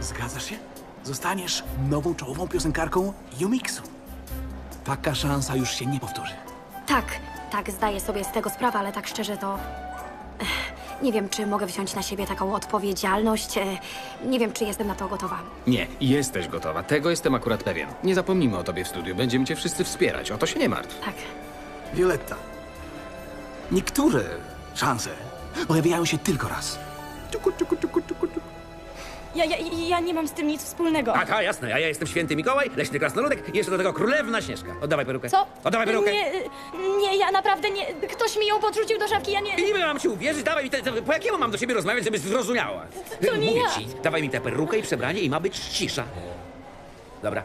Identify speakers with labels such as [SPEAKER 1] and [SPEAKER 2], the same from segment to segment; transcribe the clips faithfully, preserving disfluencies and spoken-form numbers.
[SPEAKER 1] Zgadzasz się? Zostaniesz nową czołową piosenkarką Yumiksu. Taka szansa już się nie powtórzy.
[SPEAKER 2] Tak, tak, zdaję sobie z tego sprawę, ale tak szczerze to... Ech, nie wiem, czy mogę wziąć na siebie taką odpowiedzialność. e, Nie wiem, czy jestem na to gotowa.
[SPEAKER 3] Nie, jesteś gotowa. Tego jestem akurat pewien. Nie zapomnimy o tobie w studiu. Będziemy cię wszyscy wspierać. O to się nie martw.
[SPEAKER 2] Tak.
[SPEAKER 1] Violetta, niektóre szanse pojawiają się tylko raz. Ciuku, ciuku, ciuku, ciuku, ciuku.
[SPEAKER 4] Ja, ja, ja nie mam z tym nic wspólnego.
[SPEAKER 5] Aha, jasne, a ja jestem święty Mikołaj, leśny krasnoludek i jeszcze do tego królewna Śnieżka. Oddawaj perukę.
[SPEAKER 4] Co?
[SPEAKER 5] Oddawaj perukę.
[SPEAKER 4] Nie, nie, ja naprawdę nie... Ktoś mi ją podrzucił do szafki, ja nie...
[SPEAKER 5] I niby mam ci uwierzyć, dawaj mi te, te, po jakiemu mam do ciebie rozmawiać, żebyś zrozumiała?
[SPEAKER 4] to nie
[SPEAKER 5] Mówię
[SPEAKER 4] ja.
[SPEAKER 5] ci, dawaj mi tę perukę i przebranie i ma być cisza. Dobra.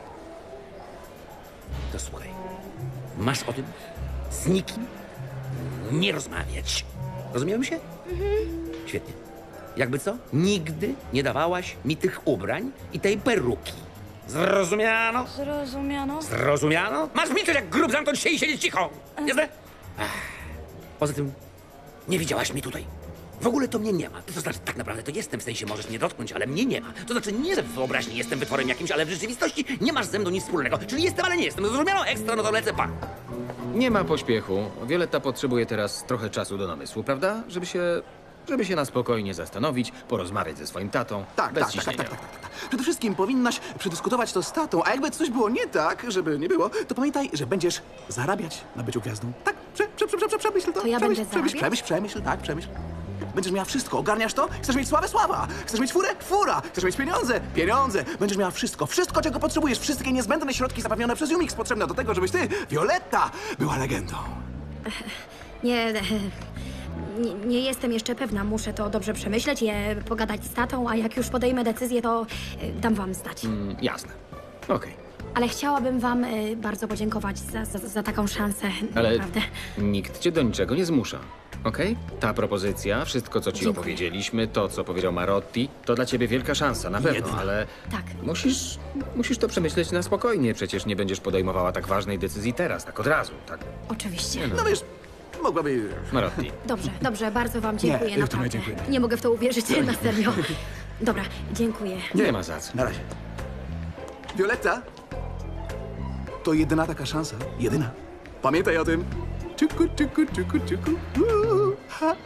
[SPEAKER 5] To słuchaj. Masz o tym z nikim nie rozmawiać. Rozumiemy się? Mhm. Świetnie. Jakby co? Nigdy nie dawałaś mi tych ubrań i tej peruki. Zrozumiano?
[SPEAKER 4] Zrozumiano?
[SPEAKER 5] Zrozumiano? Masz milczeć jak grób, zamknąć się i siedzieć cicho. Jasne? Ach. Poza tym, nie widziałaś mnie tutaj. W ogóle to mnie nie ma. To znaczy, tak naprawdę to jestem, w sensie możesz mnie dotknąć, ale mnie nie ma. To znaczy, nie, że w wyobraźni jestem wytworem jakimś, ale w rzeczywistości nie masz ze mną nic wspólnego. Czyli jestem, ale nie jestem. Zrozumiano? Ekstra, no to lecę, pa.
[SPEAKER 3] Nie ma pośpiechu. Violetta potrzebuje teraz trochę czasu do namysłu, prawda? Żeby się... żeby się na spokojnie zastanowić, porozmawiać ze swoim tatą.
[SPEAKER 1] Tak,
[SPEAKER 3] bez
[SPEAKER 1] tak, tak, tak,
[SPEAKER 3] ciśnienia.
[SPEAKER 1] tak, tak, tak, tak. Przede wszystkim powinnaś przedyskutować to z tatą, a jakby coś było nie tak, żeby nie było, to pamiętaj, że będziesz zarabiać na byciu gwiazdą. Tak, prze, prze, prze, prze, przemyśl to.
[SPEAKER 2] To ja
[SPEAKER 1] przemyśl,
[SPEAKER 2] będę
[SPEAKER 1] przemyśl,
[SPEAKER 2] zarabiać?
[SPEAKER 1] przemyśl, przemyśl, tak, przemyśl. Będziesz miała wszystko, ogarniasz to? Chcesz mieć sławę? Sława! Chcesz mieć furę? Fura! Chcesz mieć pieniądze? Pieniądze! Będziesz miała wszystko, wszystko, czego potrzebujesz, wszystkie niezbędne środki zapewnione przez Yumix potrzebne do tego, żebyś ty, Violetta, była legendą.
[SPEAKER 2] Nie, nie, nie jestem jeszcze pewna. Muszę to dobrze przemyśleć, je pogadać z tatą, a jak już podejmę decyzję, to e, dam wam znać.
[SPEAKER 3] Mm, jasne. Okej.
[SPEAKER 2] Ale chciałabym wam e, bardzo podziękować za, za, za taką szansę.
[SPEAKER 3] Ale
[SPEAKER 2] Naprawdę.
[SPEAKER 3] nikt cię do niczego nie zmusza. Okej? Ta propozycja, wszystko co ci
[SPEAKER 2] Dziękuję.
[SPEAKER 3] opowiedzieliśmy, to co powiedział Marotti, to dla ciebie wielka szansa, na pewno,
[SPEAKER 1] Jedyna.
[SPEAKER 3] ale
[SPEAKER 2] Tak.
[SPEAKER 3] musisz, musisz to przemyśleć na spokojnie. Przecież nie będziesz podejmowała tak ważnej decyzji teraz, tak od razu, tak?
[SPEAKER 2] Oczywiście.
[SPEAKER 1] No wiesz, mogłaby...
[SPEAKER 3] Marotti.
[SPEAKER 2] Dobrze, dobrze, bardzo wam dziękuję,
[SPEAKER 1] Nie, w to my
[SPEAKER 2] naprawdę.
[SPEAKER 1] dziękujemy.
[SPEAKER 2] Nie mogę w to uwierzyć, na serio. Dobra, dziękuję.
[SPEAKER 3] Nie ma za co.
[SPEAKER 1] Na razie. Violetta, to jedyna taka szansa. Jedyna. Pamiętaj o tym. Ciuku, ciuku, ciuku, ciuku. Uuu, ha.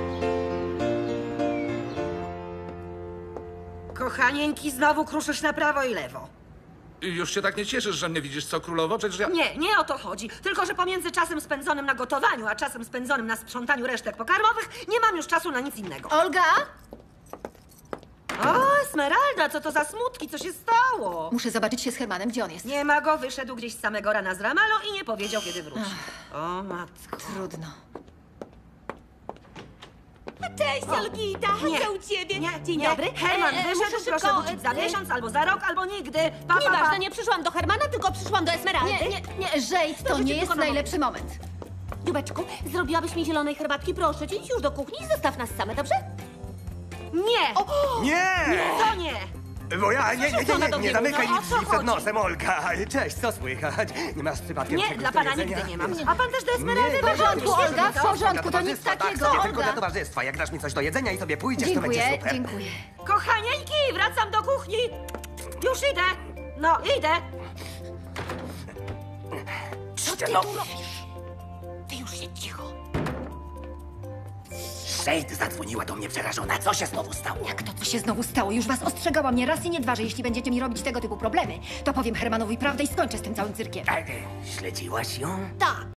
[SPEAKER 6] Kochanieńki, znowu kruszysz na prawo i lewo.
[SPEAKER 7] I już się tak nie cieszysz, że mnie widzisz, co królowo? Przecież ja...
[SPEAKER 6] Nie, nie o to chodzi. Tylko, że pomiędzy czasem spędzonym na gotowaniu, a czasem spędzonym na sprzątaniu resztek pokarmowych, nie mam już czasu na nic innego.
[SPEAKER 8] Olga?
[SPEAKER 6] O, Esmeralda, co to za smutki? Co się stało?
[SPEAKER 8] Muszę zobaczyć się z Hermanem. Gdzie on jest?
[SPEAKER 6] Nie ma go, wyszedł gdzieś z samego rana z Ramalo i nie powiedział, kiedy wróci. O, matko.
[SPEAKER 8] Trudno.
[SPEAKER 4] Cześć, Olgita!
[SPEAKER 6] Nie,
[SPEAKER 4] Co u ciebie?
[SPEAKER 6] nie,
[SPEAKER 4] Dzień
[SPEAKER 6] nie.
[SPEAKER 4] dobry.
[SPEAKER 6] Herman
[SPEAKER 4] E, e,
[SPEAKER 6] wyszedł,
[SPEAKER 4] muszę
[SPEAKER 6] proszę
[SPEAKER 4] szybko,
[SPEAKER 6] wrócić za
[SPEAKER 4] e,
[SPEAKER 6] miesiąc, albo za rok, albo nigdy. Pa, pa, pa.
[SPEAKER 4] Nieważne, nie przyszłam do Hermana, tylko przyszłam do Esmeraldy.
[SPEAKER 8] Nie, nie, nie, Jade, to
[SPEAKER 4] Proszę
[SPEAKER 8] nie
[SPEAKER 4] cię,
[SPEAKER 8] jest
[SPEAKER 4] kochana.
[SPEAKER 8] najlepszy moment.
[SPEAKER 4] Dziubeczku, zrobiłabyś mi zielonej herbatki? Proszę cię, idź już do kuchni i zostaw nas same, dobrze?
[SPEAKER 6] Nie!
[SPEAKER 9] Nie!
[SPEAKER 6] To nie!
[SPEAKER 9] Bo ja, nie, nie, nie,
[SPEAKER 6] Żona
[SPEAKER 9] nie,
[SPEAKER 6] do
[SPEAKER 9] nie
[SPEAKER 6] biegu,
[SPEAKER 9] zamykaj
[SPEAKER 6] no, o
[SPEAKER 9] mi
[SPEAKER 6] co
[SPEAKER 9] drzwi przed
[SPEAKER 6] chodzi?
[SPEAKER 9] nosem, Olga. Cześć, co słychać? Nie masz przypadkiem
[SPEAKER 6] Nie,
[SPEAKER 9] czegoś
[SPEAKER 6] dla
[SPEAKER 9] do
[SPEAKER 6] pana
[SPEAKER 9] jedzenia?
[SPEAKER 6] nigdy nie mam. A pan też do Esmeraldy
[SPEAKER 9] Nie,
[SPEAKER 8] W porządku,
[SPEAKER 6] wychodzi.
[SPEAKER 8] Olga, w porządku, to nic
[SPEAKER 9] Towarzystwa,
[SPEAKER 8] takiego,
[SPEAKER 9] tak, sobie tylko dla
[SPEAKER 8] Olga.
[SPEAKER 9] towarzystwa. Jak dasz mi coś do jedzenia i sobie pójdziesz, to będzie
[SPEAKER 8] Dziękuję,
[SPEAKER 9] super.
[SPEAKER 8] dziękuję.
[SPEAKER 6] Kochanieńki, wracam do kuchni! Już idę! No, idę!
[SPEAKER 9] Co ty no.
[SPEAKER 4] tu robisz? Ty już się cicho.
[SPEAKER 9] Jade zadzwoniła do mnie przerażona. Co się znowu stało?
[SPEAKER 8] Jak to, co się znowu stało? Już was ostrzegałam nie raz i nie dwa, że jeśli będziecie mi robić tego typu problemy, to powiem Hermanowi prawdę i skończę z tym całym cyrkiem.
[SPEAKER 9] A, e, Śledziłaś ją?
[SPEAKER 8] Tak.